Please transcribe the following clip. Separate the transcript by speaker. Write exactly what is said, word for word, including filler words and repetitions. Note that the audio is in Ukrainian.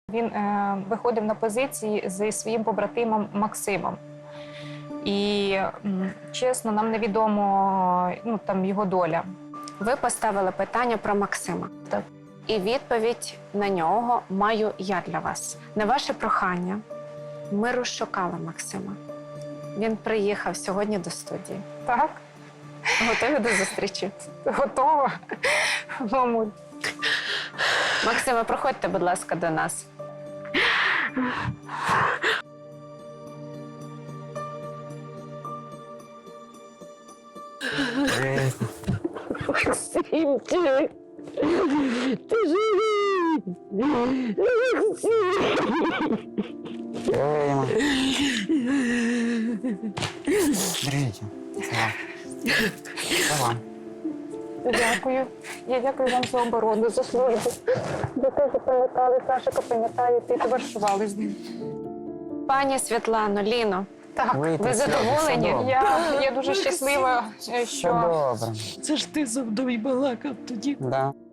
Speaker 1: Він е, виходив на позиції зі своїм побратимом Максимом. І, м, чесно, нам невідомо ну, там, його доля.
Speaker 2: Ви поставили питання про Максима.
Speaker 1: Так.
Speaker 2: І відповідь на нього маю я для вас. На ваше прохання ми розшукали Максима. Він приїхав сьогодні до студії.
Speaker 1: Так,
Speaker 2: Готові до зустрічі?
Speaker 1: готова, мамуль.
Speaker 2: Максиме, проходьте, будь ласка, до нас.
Speaker 3: Максимчик, ти живий! Максим!
Speaker 4: Держите. Это вам.
Speaker 1: Дякую. Я дякую вам за оборону, за службу. За те, що пам'ятали, Сашика пам'ятає, ти товаришували з ним.
Speaker 2: Пані Світлано, Ліно,
Speaker 1: Так,
Speaker 4: Ви
Speaker 2: ви
Speaker 4: тут
Speaker 2: задоволені?
Speaker 4: все добре.
Speaker 1: я, я дуже щаслива,
Speaker 4: Все
Speaker 1: що
Speaker 4: добре.
Speaker 3: Це ж ти зо мною балакав тоді.
Speaker 4: Да.